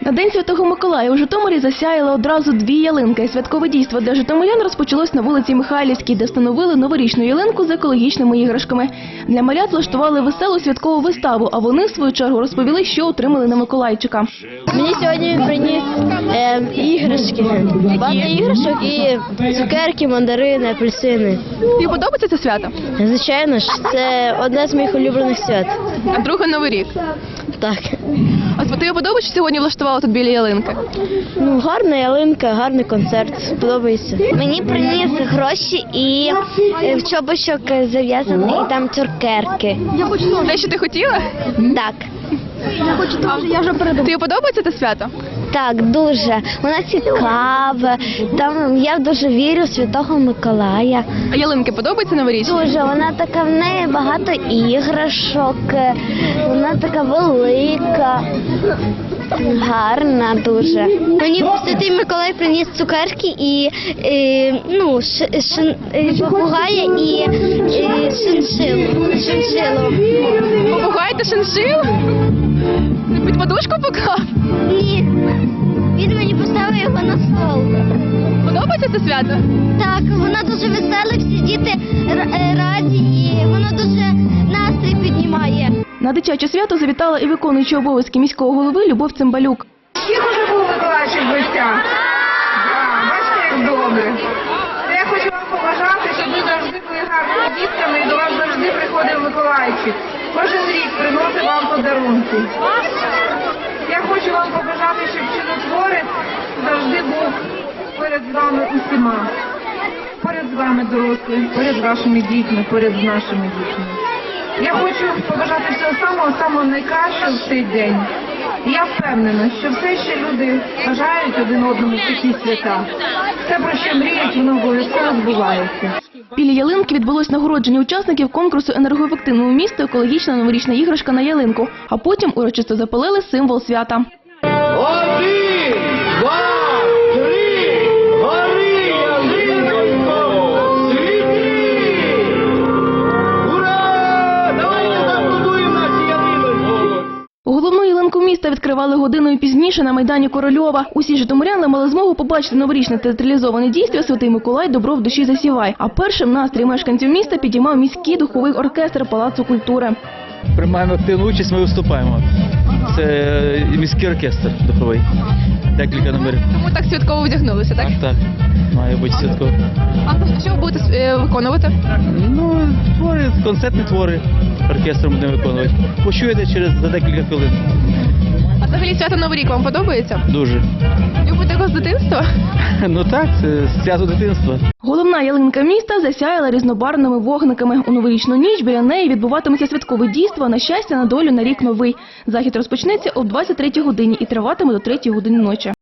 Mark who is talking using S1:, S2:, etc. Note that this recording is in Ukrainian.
S1: На День Святого Миколая у Житомирі засяяли одразу 2 ялинки. Святкове дійство для житомирян розпочалось на вулиці Михайлівській, де встановили новорічну ялинку з екологічними іграшками. Для малят влаштували веселу святкову виставу, а вони, в свою чергу, розповіли, що отримали на Миколайчика.
S2: Мені сьогодні він приніс іграшки. Багато іграшок і цукерки, мандарини, апельсини.
S1: Тобі подобається це свято?
S2: Звичайно ж, це одне з моїх улюблених свят.
S1: А друге – Новий рік.
S2: Так.
S1: А тобі подобається, що сьогодні влаштували тут біля ялинки?
S2: Ну, гарна ялинка, гарний концерт. Подобається.
S3: Мені приніс гроші і в чобочок зав'язаний, і там цукерки.
S1: Те, що ти хотіла?
S3: Так.
S1: Тобі подобається це свято?
S3: Так, дуже. Вона цікава. Там я дуже вірю в Святого Миколая.
S1: А ялинки подобаються новорічні?
S3: Дуже. Вона така, в неї багато іграшок. Вона така велика. Гарна дуже. Мені Святий Миколай приніс цукерки і попугая і шиншилу.
S1: Попугай та шиншилу? Ти під подушку поклав?
S3: Ні. Він мені поставив його на стол.
S1: Подобається це свято?
S3: Так, вона дуже весела, всі діти раді і вона дуже настрій піднімає.
S1: На дитяче свято завітала і виконуюча обов'язки міського голови Любов Цимбалюк.
S4: Всіх уже був Миколайчик в гостях? Бачите, як добре. Я хочу вам побажати, щоб ви завжди були гарними дітками і до вас завжди приходив Миколайчик. Кожен рік приносить вам подарунки. Я хочу вам побажати, щоб чудотворець завжди був поряд з вами усіма. Поряд з вами дорослі, поряд з вашими дітьми, поряд з нашими дітьми. Я хочу побажати всього самого найкращого в цей день. І я впевнена, що все, що люди бажають один одному в такі свята, все, про що мріють, воно обов'язково збувається.
S1: Біля ялинки відбулось нагородження учасників конкурсу «Енергоефективному місту. Екологічна новорічна іграшка на ялинку», а потім урочисто запалили символ свята.
S5: 1, 2, 3, гори ялинонько, світи! Ура! Давайте забудуємо наші ялинонько!
S1: Головну ялинку міста відкривали годиною пізніше на Майдані Корольова. Усі житомиряни мали змогу побачити новорічне театралізоване дійство «Святий Миколай. Добро в душі засівай». А першим настрій мешканців міста підіймав міський духовий оркестр Палацу культури.
S6: Приймаємо активну участь, ми виступаємо. Це міський оркестр духовий. Декілька номерів.
S1: Тому так святково вдягнулися, так?
S6: Так, має бути святково.
S1: А що ви будете виконувати?
S6: Ну, твори, концертні твори оркестром будемо виконувати. Почуєте за декілька хвилин.
S1: А взагалі свято Новий рік вам подобається?
S6: Дуже.
S1: Любите його з дитинства?
S6: Ну так, це свято дитинства.
S1: Головна ялинка міста засяяла різнобарвними вогниками. У новорічну ніч біля неї відбуватиметься святкове дійство «На щастя, на долю, на рік новий». Захід розпочнеться о 23-й годині і триватиме до 3-ї години ночі.